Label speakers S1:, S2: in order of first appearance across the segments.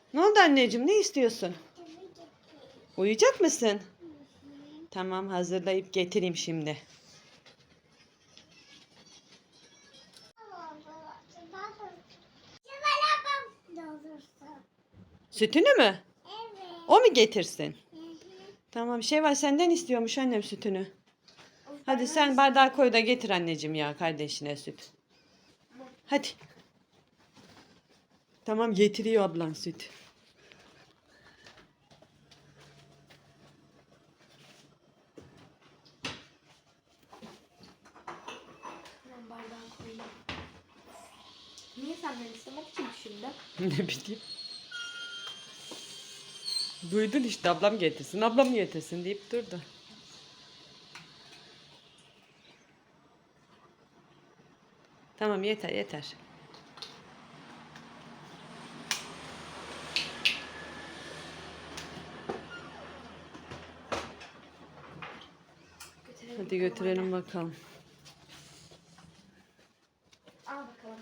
S1: Ne oldu anneciğim? Ne istiyorsun? Uyuyacak mısın? Tamam, hazırlayıp getireyim şimdi. Sütünü mü?
S2: Evet.
S1: O mu getirsin?
S2: Hı hı.
S1: Tamam, Şevval senden istiyormuş annem sütünü. Hadi sen bardağı koy da getir anneciğim ya kardeşine süt. Hadi. Tamam, getiriyor ablan süt.
S2: Ben bardağı koyayım. Niye senden istemek için düşündüm?
S1: Ne bileyim. Duydun işte, ablam getirsin, ablam getirsin deyip durdu. Tamam, yeter yeter. Hadi götürelim bakalım.
S2: Al bakalım.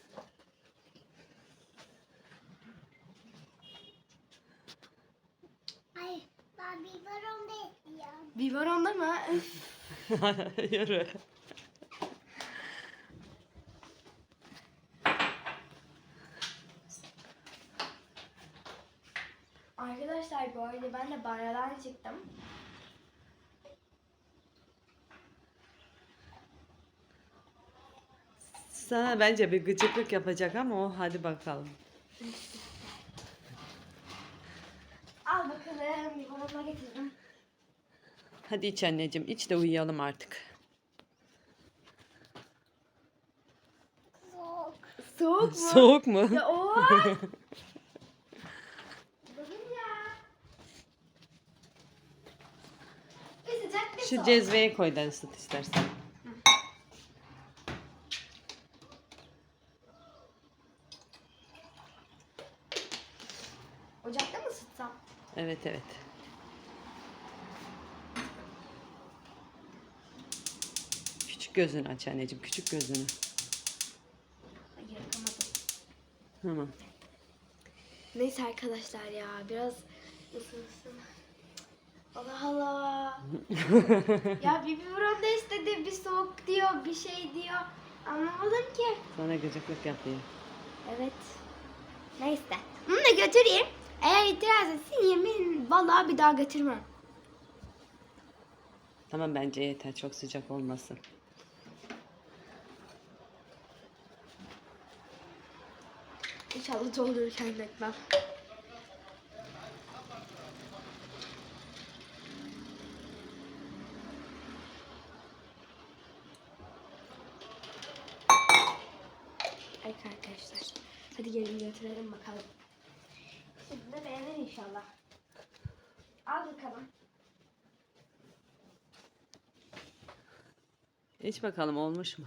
S2: Ay, ben biberon da istiyorum. Biberonda mı?
S1: Yürü.
S2: Arkadaşlar bu arada ben de banyodan çıktım.
S1: Sana bence bir gıcıklık yapacak ama o, hadi bakalım.
S2: Al bakalım, biberonla getirdim.
S1: Hadi iç anneciğim, iç de uyuyalım artık.
S2: Soğuk. Soğuk mu?
S1: Soğuk mu?
S2: Ya o. Bakın ya. Bir sıcak bir
S1: Şu
S2: soğuk.
S1: cezveye koy da ısıt istersen.
S2: Ocakta mı ısıtsam?
S1: Evet evet. Küçük gözünü aç anneciğim, küçük gözünü.
S2: Hayır, yapamadım.
S1: Tamam.
S2: Neyse arkadaşlar ya biraz ısınsın. Allah Allah. Ya bir biberon da istedi, bir soğuk diyor, bir şey diyor. Anlamadım ki.
S1: Sana gıcıklık yapıyor.
S2: Evet. Neyse. Bunu da götüreyim. Eğer itiraz etsin yemin vallahi bir daha götürmem.
S1: Tamam, bence yeter, çok sıcak olmasın.
S2: İnşallah doldururken bekmem. Evet arkadaşlar. Hadi gelin götürelim bakalım. Şimdi de beğenir inşallah. Al bakalım.
S1: İç bakalım, olmuş mu?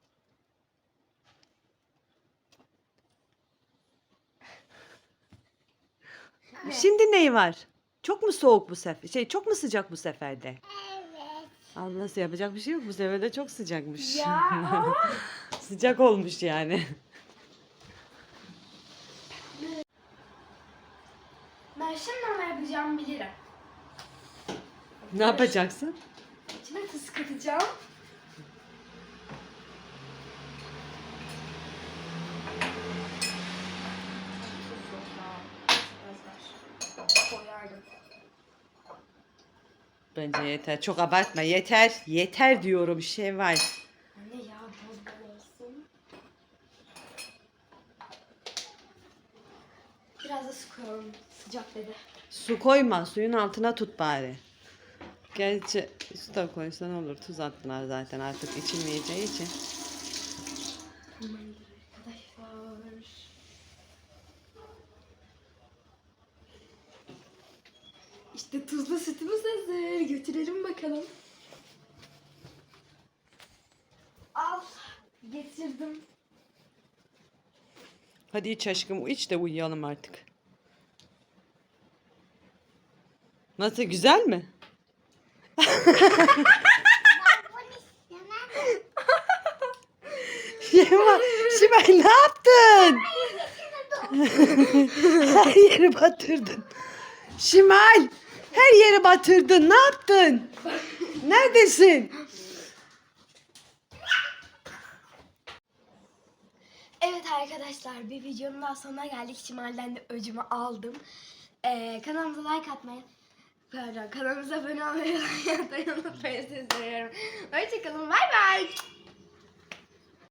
S1: Şimdi neyi var? Çok mu soğuk bu sefer? Çok mu sıcak bu seferde?
S2: Evet.
S1: Ablası, yapacak bir şey yok. Bu sefer de çok sıcakmış.
S2: Ya.
S1: Sıcak olmuş yani.
S2: Ben şimdi ne yapacağımı bilirim.
S1: Ne yapacaksın?
S2: İçine tuz katacağım. Koyardım.
S1: Bence yeter. Çok abartma. Yeter. Yeter diyorum Şevval.
S2: Anne ya bol bol olsun. Biraz da su koyalım. Sıcak dedi.
S1: Su koyma. Suyun altına tut bari. Gerçi su da koysan olur. Tuz attılar zaten artık içilmeyeceği için.
S2: Tamamdır arkadaşlar. İşte tuzlu sütümüz hazır. Götürelim bakalım. Al. Getirdim.
S1: Hadi iç aşkım. İç de uyuyalım artık. Nasıl, güzel mi? Şevval, Şevval ne yaptın? Her yeri batırdın. Şimal, her yeri batırdın. Ne yaptın? Neredesin?
S2: Evet arkadaşlar, bir videonun daha sonuna geldik. Şimal'den de öcümü aldım. Kanalımıza like atmayı, pardon, kanalımıza abone olmayı unutmayın. Sizi seviyorum. Hoşçakalın, bay bay.